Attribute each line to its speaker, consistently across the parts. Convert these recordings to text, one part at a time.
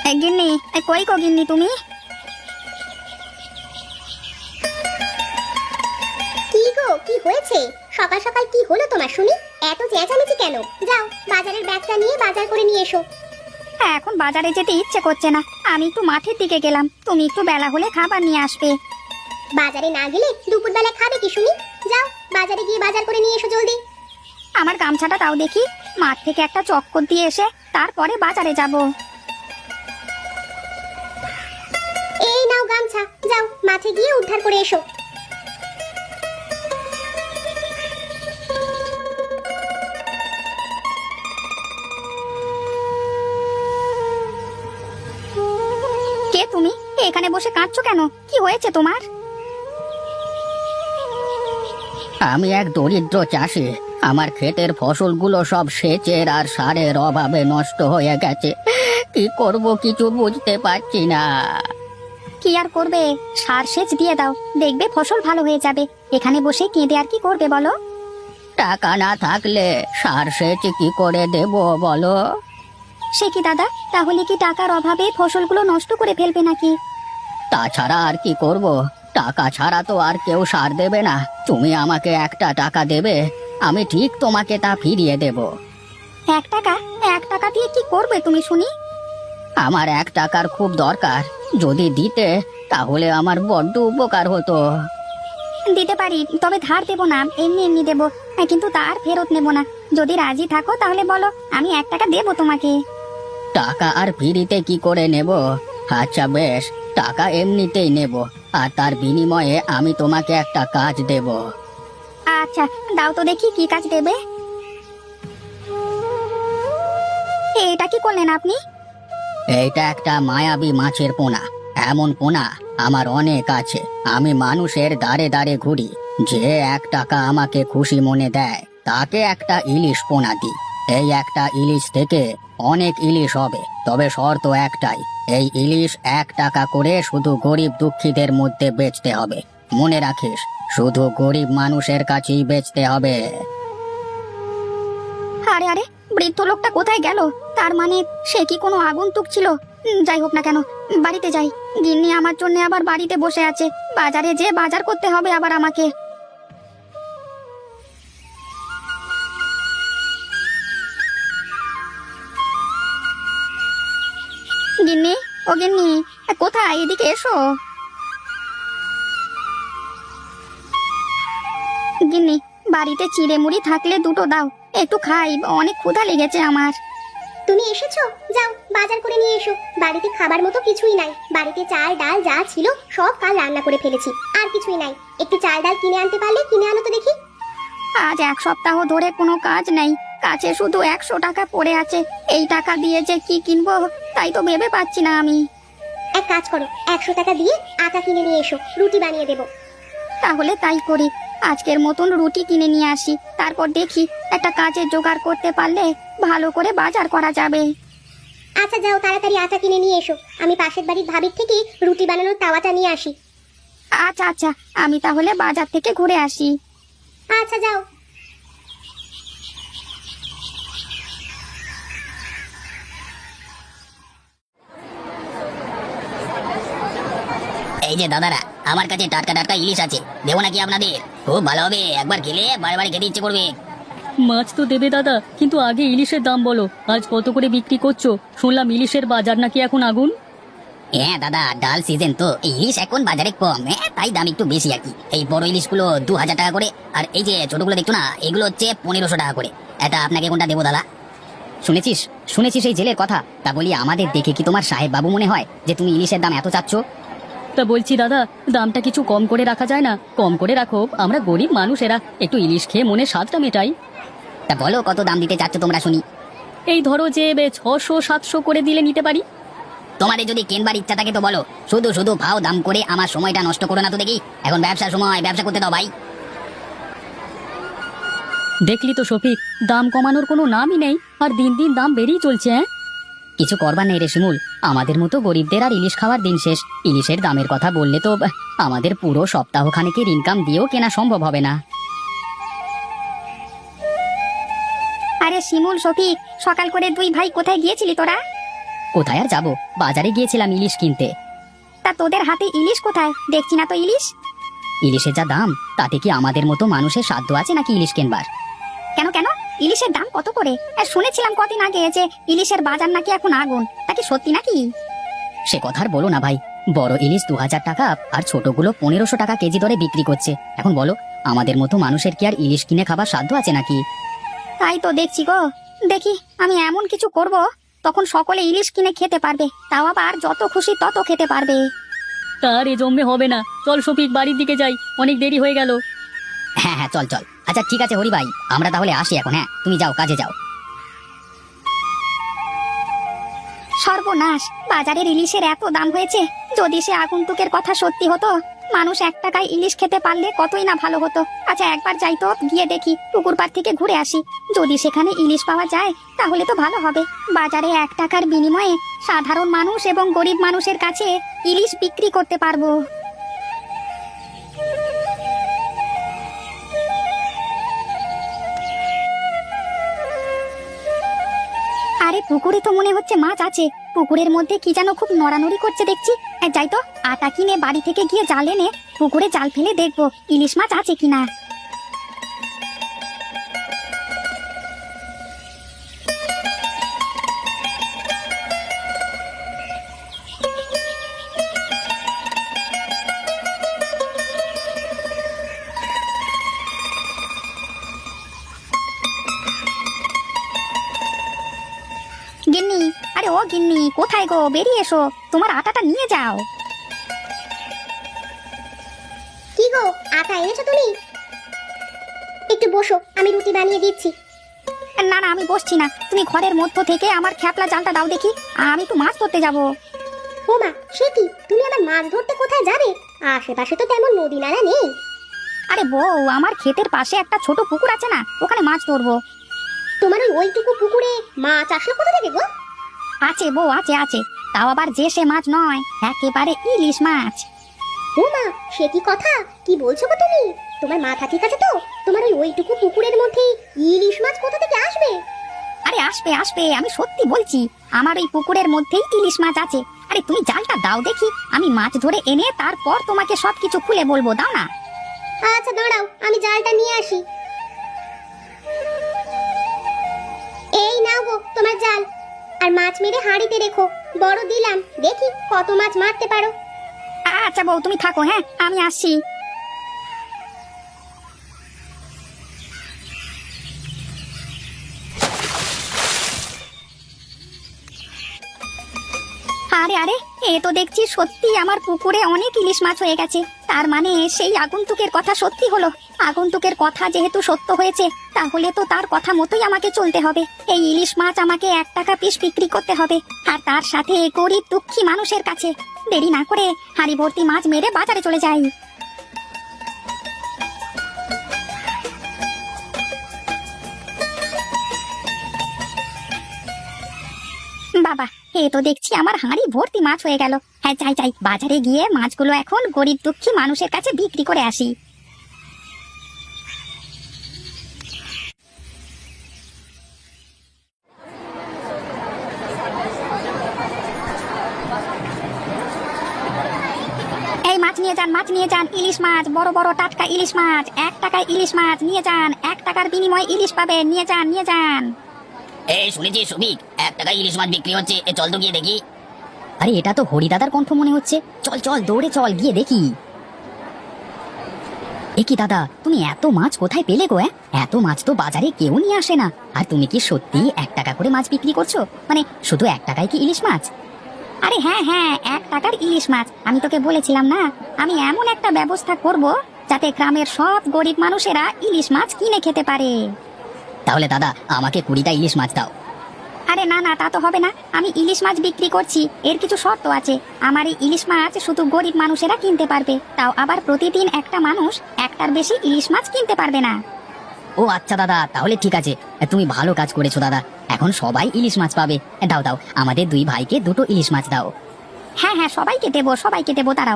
Speaker 1: গিন্নি, কই গো গিন্নি তুমি?
Speaker 2: কি গো, কি হয়েছে? সকাল সকাল কি হলো তোমার শুনি? এত চেঁচামেচি কেন? যাও বাজারের ব্যাগটা নিয়ে বাজার করে নিয়ে এসো।
Speaker 1: এখন বাজারে যেতে ইচ্ছে করছে না, আমি একটু মাঠের দিকে গেলাম, তুমি একটু বেলা হলে খাবার নিয়ে আসবে।
Speaker 2: বাজারে না গেলে দুপুরবেলা খাবে কি শুনি? যাও বাজারে গিয়ে বাজার করে নিয়ে এসো জলদি।
Speaker 1: আমার গামছাটা দাও দেখি, মাঠ থেকে একটা চক্কর দিয়ে এসে তারপরে বাজারে যাব।
Speaker 2: এই নাও গামছা, যাও মাঠে গিয়ে উদ্ধার করে এসো।
Speaker 1: কে তুমি? এখানে বসে কাঁদছো কেন? কি হয়েছে তোমার?
Speaker 3: আমি এক দরিদ্র চাষি। আমার ক্ষেতের ফসলগুলো সব সেচের আর সারের অভাবে নষ্ট হয়ে গেছে। কি করব কিছু বুঝতে পারছি না।
Speaker 1: কি আর করবে, সার সেচ দিয়ে দাও, দেখবে ফসল ভালো হয়ে যাবে। এখানে বসে কেঁদে আর কি করবে বলো?
Speaker 3: টাকা না থাকলে সার সেচ কি করে দেব বলো?
Speaker 1: সে কি দাদা, তাহলে কি টাকার অভাবে ফসলগুলো নষ্ট করে ফেলবে নাকি?
Speaker 3: তাছাড়া আর কি করব? টাকা ছাড়া তো আর কেউ সার দেবে না। তুমি আমাকে একটা টাকা দেবে, আমি ঠিক তোমাকে তা ফিরিয়ে দেব।
Speaker 1: 1 টাকা? 1 টাকা দিয়ে কি করবে তুমি শুনি?
Speaker 3: আমার 1 টাকার খুব দরকার, যদি দিতে তাহলে আমার বড্ড উপকার হতো।
Speaker 1: দিতে পারি, তবে ধার দেবো না, এমনি এমনি দেবো। কিন্তু তার ফেরত নেবো না। যদি রাজি থাকো তাহলে বলো, আমি 1 টাকা দেবো তোমাকে।
Speaker 3: টাকা আর ফিরিতে কি করে নেব? আচ্ছা বেশ, টাকা এমনিতেই নেব, আর তার বিনিময়ে আমি তোমাকে একটা কাজ দেব।
Speaker 1: আচ্ছা, দাও তো দেখি কি কাজ দেবে। এটা কি করলেন আপনি?
Speaker 3: এইটা একটা মায়াবী মাছের পোনা। এমন পোনা আমার অনেক আছে। আমি মানুষের দাঁড়ে দাঁড়ে ঘুরি, যে 1 টাকা আমাকে খুশি মনে দেয় তাকে একটা ইলিশ পোনা দিই। এই একটা ইলিশ থেকে অনেক ইলিশ হবে, তবে শর্ত একটাই, এই ইলিশ 1 টাকা করে শুধু গরিব দুঃখীদের মধ্যে বেচতে হবে। মনে রাখিস, শুধু গরিব মানুষের কাছেই বেচতে হবে।
Speaker 1: আরে আরে, বৃদ্ধ লোকটা কোথায় গেল? তার মানে সে কি কোনো আগন্তুক ছিল? যাই হোক না কেন, বাড়িতে যাই। গিন্নি আমার জন্য আবার বাড়িতে বসে আছে, বাজারে যে বাজার করতে হবে আবার আমাকে। গিন্নি, ও গিন্নি, কোথায়? এদিকে এসো। গিন্নি, বাড়িতে চিড়ে মুড়ি থাকলে দুটো দাও, একটু খাই, অনেক ক্ষুধা লেগেছে আমার।
Speaker 2: তুমি এসেছো, যাও বাজার করে নিয়ে এসো। বাড়িতে খাবার মতো কিছুই নাই। বাড়িতে চাল ডাল যা ছিল সব কাল রান্না করে ফেলেছি, আর কিছুই নাই। একটু চাল ডাল কিনে আনতে পারলে কিনে আনো তো দেখি।
Speaker 1: আজ 1 সপ্তাহ ধরে কোনো কাজ নেই, কাছে শুধু 100 টাকা পড়ে আছে। এই টাকা দিয়ে যে কি কিনবো তাই তো ভেবে পাচ্ছি না আমি।
Speaker 2: এক কাজ করো, 100 টাকা দিয়ে আটা কিনে নিয়ে এসো, রুটি বানিয়ে দেবো।
Speaker 1: তাহলে তাই করি, আজকের মতন রুটি কিনে নিয়ে আসি, তারপর দেখি একটা কাজের জোগাড় করতে পারলে ভালো করে বাজার করা যাবে।
Speaker 2: আচ্ছা যাও তাড়াতাড়ি আটা কিনে নিয়ে এসো, আমি পাশের বাড়ির ভাবির থেকে রুটি বানানোর তাওয়াটা নিয়ে আসি।
Speaker 1: আচ্ছা আচ্ছা, আমি তাহলে বাজার থেকে ঘুরে আসি।
Speaker 2: আচ্ছা যাও।
Speaker 3: এই যে দাদারা, আমার কাছে টাটকা টাটকা ইলিশ আছে, দেবো নাকি আপনাদের? খুব ভালো হবে, একবার খেলে বারে বারে খেতে ইচ্ছে করবে।
Speaker 4: মাছ তো দেবে দাদা, কিন্তু আগে ইলিশের দাম বলো, আজ কত করে বিক্রি করছো? শুনলাম ইলিশের বাজার নাকি এখন আগুন।
Speaker 3: হ্যাঁ দাদা, ডাল সিজন তো ইলিশ এখন বাজারে কম, তাই দাম একটু বেশি আর কি। এই বড় ইলিশগুলো 2000 টাকা করে, আর এই যে ছোটগুলো দেখছো না, এগুলো হচ্ছে 1500 টাকা করে। এটা আপনাকে কোনটা দেবো দাদা? শুনেছিস শুনেছিস এই জেলের কথা? তা বলি, আমাদের দেখে কি তোমার সাহেব বাবু মনে হয় যে তুমি ইলিশের দাম এত চাচ্ছ?
Speaker 4: তা বলছি দাদা, দামটা কিছু কম করে রাখা যায় না? কম করে রাখো, আমরা গরিব মানুষেরা একটু ইলিশ খেয়ে মনে স্বাদটা মেটাই।
Speaker 3: তা বলো কত দাম দিতে চাচ্ছ তোমরা শুনি।
Speaker 4: এই ধরো যে 600-700 করে দিলে নিতে পারি।
Speaker 3: তোমাদের যদি কেনবার ইচ্ছা থাকে তো বলো, শুধু শুধু ভাও দাম করে আমার সময়টা নষ্ট করো না তো দেখি। এখন ব্যবসার সময়, ব্যবসা করতে দাও ভাই।
Speaker 4: দেখলি তো শফিক, দাম কমানোর কোনো নামই নেই, আর দিন দিন দাম বেড়েই চলছে।
Speaker 3: কিছু করবার নেই রে শিমুল, আমাদের মতো গরিবদের আর ইলিশ খাওয়ার দিন শেষ। ইলিশের দামের কথা বললে তো আমাদের পুরো সপ্তাহখানেকের ইনকাম দিয়েও কেনা সম্ভব হবে না।
Speaker 1: আরে শিমুল, শফিক, সকাল করে দুই ভাই কোথায় গিয়েছিলি তোরা?
Speaker 3: কোথায় আর যাবো, বাজারে গিয়েছিলাম ইলিশ কিনতে।
Speaker 1: তা তোদের হাতে ইলিশ কোথায়? দেখছি না তো ইলিশ।
Speaker 3: ইলিশের যা দাম, তাতে কি আমাদের মতো মানুষের সাধ্য আছে নাকি ইলিশ কিনবার?
Speaker 1: কেন কেন, ইলিশের দাম কত করে? শুনেছিলাম কদিন আগে যে ইলিশের বাজার নাকি এখন আগুন, তা কি সত্যি নাকি?
Speaker 3: সে কথা আর বলো না ভাই, বড় ইলিশ 2000 টাকা আর ছোটগুলো 1500 টাকা কেজি দরে বিক্রি করছে। এখন বলো, আমাদের মতো মানুষের কি আর ইলিশ কিনে খাবার সাধ্য আছে নাকি?
Speaker 1: তাই তো দেখছি গো। দেখি আমি এমন কিছু করব, তখন সকলে ইলিশ কিনে খেতে পারবে, তাও আবার যত খুশি তত খেতে পারবে।
Speaker 4: তার এ জমে হবে না, চল শফিক বাড়ির দিকে যাই, অনেক দেরি হয়ে গেল।
Speaker 3: হ্যাঁ হ্যাঁ, চল চল। আচ্ছা ঠিক আছে হরি ভাই, আমরা তাহলে আসি এখন। হ্যাঁ, তুমি যাও, কাজে যাও।
Speaker 1: সর্বনাশ, বাজারের ইলিশের এত দাম হয়েছে। যদি সে আগন্তুকের কথা সত্যি হতো, মানুষ 1 টাকায় ইলিশ খেতে পারলে কতই না ভালো হতো। আচ্ছা একবার যাই তো, গিয়ে দেখি, পুকুর পাড় থেকে ঘুরে আসি। যদি সেখানে ইলিশ পাওয়া যায় তাহলে তো ভালো হবে। বাজারে 1 টাকার বিনিময়ে সাধারণ মানুষ এবং গরিব মানুষের কাছে ইলিশ বিক্রি করতে পারবো। আরে পুকুরে তো মনে হচ্ছে মাছ আছে। পুকুরের মধ্যে কি যেন খুব নড়ানড়ি করছে দেখছি। যাই তো, আটা কিনে বাড়ি থেকে গিয়ে জাল এনে পুকুরে জাল ফেলে দেখবো ইলিশ মাছ আছে কিনা। গিন্নি, আরে ও গিন্নি, কোথায় গো? বেরিয়ে এসো, তোমার আটাটা নিয়ে যাও।
Speaker 2: কি গো, আটা এনেছো তুমি? একটু বসো, আমি রুটি বানিয়ে দিচ্ছি।
Speaker 1: না না, আমি বসছি না। তুমি ঘরের মধ্য থেকে আমার খ্যাপলা জালটা দাও দেখি, আমি একটু মাছ ধরতে যাব।
Speaker 2: ও মা, সে কি, তুমি আবার মাছ ধরতে কোথায় যাবে? আশেপাশে তো তেমন নদী নালা নেই।
Speaker 1: আরে বউ, আমার ক্ষেতের পাশে একটা ছোট পুকুর আছে না, ওখানে মাছ ধরবো।
Speaker 2: তোমার ওইটুকু পুকুরে মাছ আসলো কোথা থেকে গো?
Speaker 1: আছে বউ, আছে আছে, তাও আবার যে সে মাছ নয়, একেবারে ইলিশ মাছ।
Speaker 2: ও মা, সে কি কথা, কি বলছো গো তুমি? তোমার মাথা ঠিক আছে তো? তোমার ওইটুকু পুকুরের মধ্যে ইলিশ মাছ কোথা থেকে আসবে?
Speaker 1: আরে আসবে আসবে, আমি সত্যি বলছি, আমার ওই পুকুরের মধ্যেই ইলিশ মাছ আছে। আরে তুমি জালটা দাও দেখি, আমি মাছ ধরে এনে তারপর তোমাকে সবকিছু খুলে বলবো, দাও না।
Speaker 2: আচ্ছা দাঁড়াও, আমি জালটা নিয়ে আসি। এই নাও গো তোমার জাল, আর মাছ মেরে হাঁড়িতে রেখো। বড় দিলাম, দেখি কত মাছ মারতে পারো।
Speaker 1: আচ্ছা বউ, তুমি থাকো, হ্যাঁ আমি আসছি। আরে আরে, এ তো দেখছি সত্যি আমার পুকুরে অনেক ইলিশ মাছ হয়ে গেছে। তার মানে সেই আগন্তুকের কথা সত্যি হলো। আগন্তুকের কথা যেহেতু সত্য হয়েছে, তাহলে তো তার কথা মতোই আমাকে চলতে হবে। এই ইলিশ মাছ আমাকে 1 টাকা পিস বিক্রি করতে হবে, আর তার সাথে গরিব দুঃখী মানুষের কাছে। দেরি না করে হাঁড়ি ভর্তি মাছ মেরে বাজারে চলে যাই। বাবা, এ তো দেখছি আমার হাঁড়ি ভর্তি মাছ হয়ে গেল। হ্যাঁ যাই যাই, বাজারে গিয়ে মাছগুলো এখন গরিব দুঃখী মানুষের কাছে বিক্রি করে আসি। এই মাছ নিয়ে যান, মাছ নিয়ে যান, ইলিশ মাছ, বড় বড় টাটকা ইলিশ মাছ। 1 টাকায় ইলিশ মাছ নিয়ে যান, 1 টাকার বিনিময়ে ইলিশ পাবেন, নিয়ে যান নিয়ে যান।
Speaker 3: এই শুনেছি সুবিক, 1 টাকায় ইলিশ মাছ বিক্রি হচ্ছে, চল তো গিয়ে দেখি। আরে এটা তো হরিদাদার কণ্ঠ মনে হচ্ছে, চল চল দৌড়ে চল, গিয়ে দেখি। এ কি দাদা, তুমি এত মাছ কোথায় পেলে গো? এত মাছ তো বাজারে কেউ নিয়ে আসে না। আর তুমি কি সত্যি 1 টাকা করে মাছ বিক্রি করছো? মানে শুধু 1 টাকায় কি ইলিশ মাছ?
Speaker 1: আরে হ্যাঁ হ্যাঁ, 1 টাকার ইলিশ মাছ। আমি তোকে বলেছিলাম না, আমি এমন একটা ব্যবস্থা করব যাতে গ্রামের সব গরিব মানুষেরা ইলিশ মাছ কিনে খেতে পারে।
Speaker 3: তাহলে দাদা আমাকে 20টা ইলিশ মাছ দাও।
Speaker 1: আরে না না, তা তো হবে না। আমি ইলিশ মাছ বিক্রি করছি, এর কিছু শর্ত আছে। আমার এই ইলিশ মাছ শুধু গরিব মানুষেরা কিনতে পারবে, তাও আবার প্রতিদিন একটা মানুষ 1টার বেশি ইলিশ মাছ কিনতে পারবে না।
Speaker 3: ও আচ্ছা দাদা, তাহলে ঠিক আছে, তুমি ভালো কাজ করেছো দাদা। এখন সবাই ইলিশ মাছ পাবে। দাও দাও, আমাদের 2 ভাইকে 2টো ইলিশ মাছ দাও।
Speaker 1: হ্যাঁ হ্যাঁ, সবাইকে দেবো, সবাইকে দেবো, দাঁড়াও।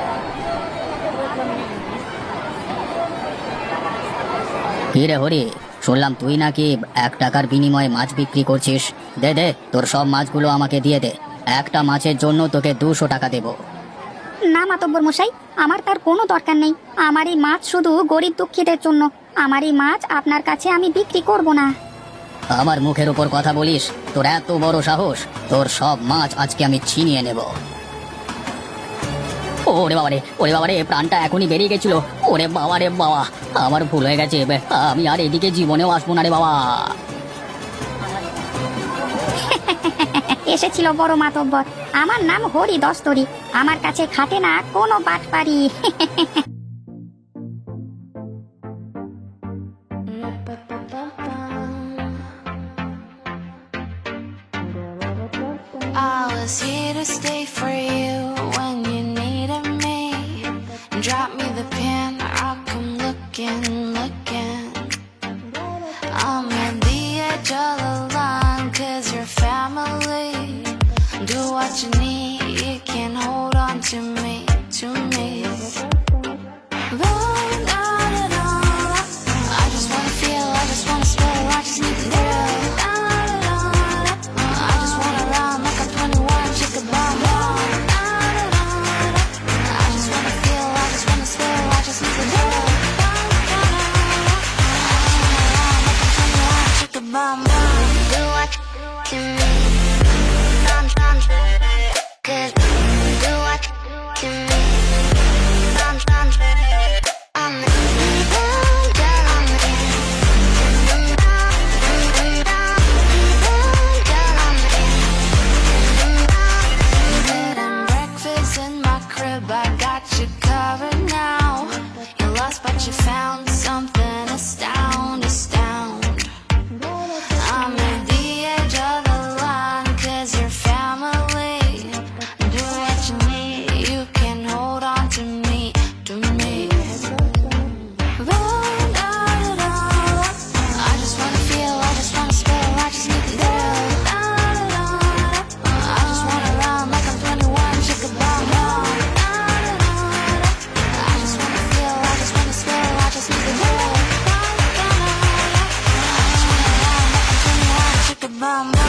Speaker 3: কি রে হরি, শুনলাম তুই নাকি 1 টাকার বিনিময়ে মাছ বিক্রি করছিস। দে দে, তোর সব মাছগুলো আমাকে দিয়ে দে। একটা মাছের জন্য তোকে 200 টাকা দেবো।
Speaker 1: না মাতব্বর মশাই, আমার তার কোনো দরকার নেই। আমার এই মাছ শুধু গরিব দুঃখীদের জন্য। আমার এই মাছ আপনার কাছে আমি বিক্রি করব না।
Speaker 3: আমার মুখের উপর কথা বলিস? তোর এত বড় সাহস! তোর সব মাছ আজকে আমি ছিনিয়ে নেব। ওরে বাবারে, ওরে বাবারে, প্রাণটা এখনই বেরিয়ে গেছিল। ওরে বাবারে বাবা, আমার ভুল হয়ে গেছে। আমি আর এদিকে জীবনেও আসবো না রে বাবা।
Speaker 1: এসেছিল বড় মাতব্বর। আমার নাম হরি দস্তরি। আমার কাছে খাটে না কোনো বাটপারি।
Speaker 5: I was here to stay for you when you needed me. Drop me the pin, I'll come looking. I'm at the edge of the line, 'cause you're family. Do what you need, you can hold on to me. Roll down and on. I just wanna feel, I just wanna spill, I just need to thrill. I just wanna run like a 21 chicken bomb. I just wanna feel, I just wanna spill, I just need to thrill. Chicken bomb. Do what you need. Cause do what you need. Breakfast in my crib, I got you covered now. You lost but you found something astound. I'm at the edge of the line, 'cause you're family. Do what you need, you can hold on to me. Roll down it all. I just wanna feel, I just wanna spill, I just need the thrill. I just wanna run like I'm 21 chicken bomb. I just wanna feel, I just wanna spill, I just need the thrill. I just wanna run like I'm 21 chicken bomb.